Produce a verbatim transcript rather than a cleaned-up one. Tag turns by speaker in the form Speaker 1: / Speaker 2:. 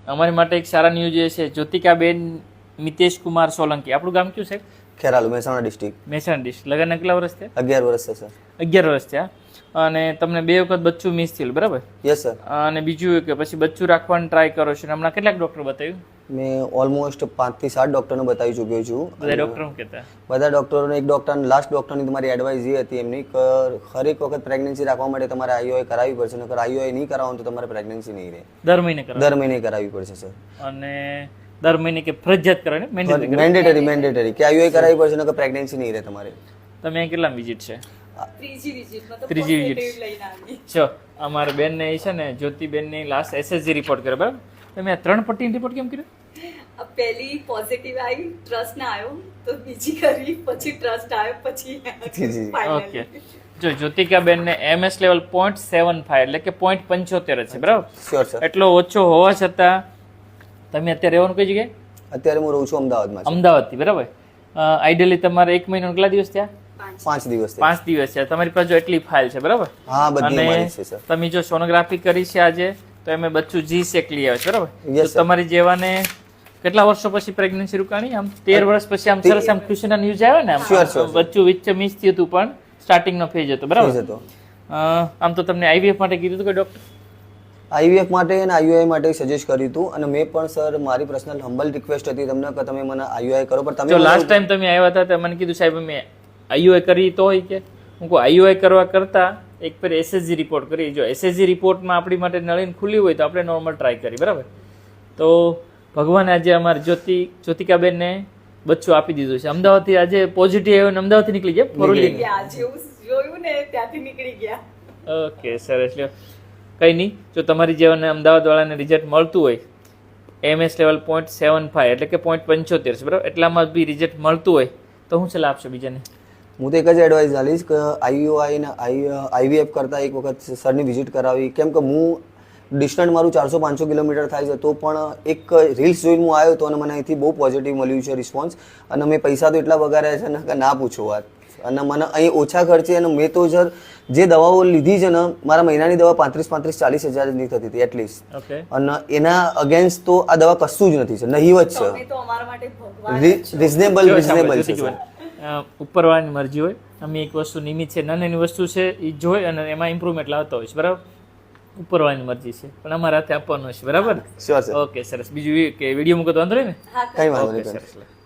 Speaker 1: અમારી માટે એક સારા ન્યૂઝ એ છે, જ્યોતિકાબેન મિતેશ કુમાર સોલંકી. આપણું ગામ કયું સાહેબ?
Speaker 2: ખેરાલુ, મહેસાણા ડિસ્ટ્રિક્ટ.
Speaker 1: મહેસાણા ડિસ્ટ્રિક્ટ. લગ્નના કેટલા વર્ષ થયા?
Speaker 2: અગિયાર વર્ષ છે સર.
Speaker 1: અગિયાર વર્ષ થયા. અને તમને બે વખત બચ્ચું મિસ થયેલું, બરાબર?
Speaker 2: Yes sir.
Speaker 1: અને બીજું કે પછી બચ્ચું રાખવાની ટ્રાય કરો છો, હમણાં કેટલાક ડૉક્ટર બતાવ્યું?
Speaker 2: મેં ઓલમોસ્ટ પાંચથી સાત ડૉક્ટરને બતાવી ચૂક્યો છું.
Speaker 1: બધા ડૉક્ટર શું કહેતા?
Speaker 2: બધા ડૉક્ટરોને એક ડૉક્ટર લાસ્ટ ડૉક્ટરની તમારી એડવાઇસ એ હતી એમની કે હરેક વખત પ્રેગ્નન્સી રાખવા માટે તમારે આઈઓઆઈ કરાવવી પડશે, નકર આઈઓઆઈ નહીં કરાવો તો તમારે પ્રેગ્નન્સી નહીં રહે.
Speaker 1: દર મહિને કરાવો?
Speaker 2: દર મહિને કરાવવી પડશે સર.
Speaker 1: અને દર મહિને કે ફરજિયાત કરવાની?
Speaker 2: મેન્ડેટરી મેન્ડેટરી કે આઈઓઆઈ કરાવવી પડશે, નકર પ્રેગ્નન્સી નહીં રહે તમારે.
Speaker 1: તમે અહીં કેટલા વિઝિટ છે?
Speaker 3: ત્રીજી વિઝિટ મતલબ
Speaker 1: ત્રીજી
Speaker 3: positive
Speaker 1: વિઝિટ
Speaker 3: લઈને આવી.
Speaker 1: છો. અમારા બેનને એ છે ને જ્યોતિબેનની લાસ્ટ એસએસજી રિપોર્ટ કર્યો, બરાબર? તમે આ ત્રણ પટ્ટીનો રિપોર્ટ કેમ કર્યો?
Speaker 3: આ પહેલી પોઝિટિવ આવી, ટ્રસ્ટ ના આવ્યો, તો બીજી કરી, પછી ટ્રસ્ટ આવ્યો, પછી
Speaker 2: જી.
Speaker 1: ઓકે. જો જ્યોતિકાબેનને MS level point seven five એટલે કે પોઈન્ટ પંચોતેર જ છે, બરાબર?
Speaker 2: Sure sir.
Speaker 1: એટલો ઓછો હોવા છતાં તમે અત્યારે રહેવાનું કઈ જગ્યાએ?
Speaker 2: અત્યારે હું રહું છું અમદાવાદમાં.
Speaker 1: અમદાવાદથી, બરાબર? આઈડિયલી તમારે એક મહિનો કેટલા દિવસ થયા?
Speaker 2: પાંચ દિવસ.
Speaker 1: પાંચ દિવસ છે. તમારી પાસે જો એટલી ફાઇલ છે, બરાબર?
Speaker 2: હા, બધી
Speaker 1: અને
Speaker 2: મારી છે સર.
Speaker 1: તમે જો સોનોગ્રાફી કરી છે આજે, તો એમે બચ્ચું જી સેક લઈ આવે છે, બરાબર?
Speaker 2: Yes,
Speaker 1: તો તમારી જેવાને કેટલા વર્ષો પછી પ્રેગ્નન્સી રૂકાણી? આમ તેર વર્ષ પછી આમ સરસ આમ ખુશીના ન્યૂઝ આવે ને, આમ
Speaker 2: Sure, sure,
Speaker 1: બચ્ચું વચ્ચે મિસ થયું હતું, પણ સ્ટાર્ટિંગ નો ફેજ હતો, બરાબર?
Speaker 2: ફેઝ હતો.
Speaker 1: અ, આમ તો તમને આઈવીએફ માટે કીધું હતું કે ડોક્ટર?
Speaker 2: આઈવીએફ માટે અને આઈયુઆઈ માટે સજેસ્ટ કર્યું હતું, અને મેં પણ સર મારી પર્સનલ હમ્બલ રિક્વેસ્ટ હતી તમને કે તમે મને આઈયુઆઈ કરો, પણ
Speaker 1: જો
Speaker 2: તમે
Speaker 1: લાસ્ટ ટાઈમ તમે આવ્યા હતા તો મને કીધું સાહેબ મેં આઈયુઆઈ કરી તો હોય કે હું કહું આઈયુઆઈ કરવા કરતા એક પર એસએસજી રિપોર્ટ કરી. જો એસએસજી રિપોર્ટમાં આપણી માટે નળીન ખુલ્લી હોય તો આપણે નોર્મલ ટ્રાય કરી, બરાબર? તો ભગવાને આજે અમારી જ્યોતિ જ્યોતિકાબેનને બચ્ચું આપી દીધું છે. અમદાવાદથી આજે પોઝિટિવ આવ્યો ને અમદાવાદથી નીકળી ગયા ફોરલી.
Speaker 3: ગયા જેવું જોયું ને ત્યાંથી નીકળી ગયા.
Speaker 1: ઓકે સરસ. લ્યો કંઈ નહીં, જો તમારી જેવાને અમદાવાદ વાળાને રિઝલ્ટ મળતું હોય MS level point seven five એટલે કે પોઈન્ટ પંચોતેર છે, બરાબર? એટલામાં બી રિઝલ્ટ મળતું હોય તો હું સલાહ આપશો બીજાને?
Speaker 2: હું તો એક જ એડવાઇસ આપીશ કે આઈયુઆઈ ને આઈવીએફ કરતાં એક વખત સરની વિઝિટ કરાવી. કેમ કે હું ડિસ્ટન્સ મારું ચારસો પાંચસો કિલોમીટર થાય છે, તો પણ એક રીલ્સ જોઈને હું આવ્યો હતો અને મને અહીંથી બહુ પોઝિટિવ મળ્યું છે રિસ્પોન્સ. અને મેં પૈસા તો એટલા વગાડ્યા છે ને કે ના પૂછો વાત. અને મને અહીં ઓછા ખર્ચે, અને મેં તો સર જે દવાઓ લીધી છે ને, મારા મહિનાની દવા પાંત્રીસ પાંત્રીસ ચાલીસ હજારની થતી હતી એટલીસ્ટ.
Speaker 1: ઓકે.
Speaker 2: અને એના અગેન્સ્ટ તો આ દવા કશું જ નથી સર, નહીવત
Speaker 3: તમે
Speaker 2: છે.
Speaker 3: તો અમારા માટે ભગવાન જ છો.
Speaker 2: રિઝનેબલ રિઝનેબલ છે સર.
Speaker 1: ઉપરવાળાની મરજી હોય. અમે એક વસ્તુ નિમિત્ત છે, નાની વસ્તુ છે એ જોઈ અને એમાં ઇમ્પ્રુવમેન્ટ લાવતા હોય છે, બરાબર? ઉપરવાળાની મરજી છે, પણ અમારા હાથે આપવાનું છે, બરાબર?
Speaker 2: Sure sir.
Speaker 1: ઓકે સરસ. બીજું એ કે વિડીયો મૂકો તો વાંધો નહીં ને?
Speaker 3: હા,
Speaker 2: કઈ વાંધો
Speaker 1: ઓકે
Speaker 2: નહીં.
Speaker 1: સરસ.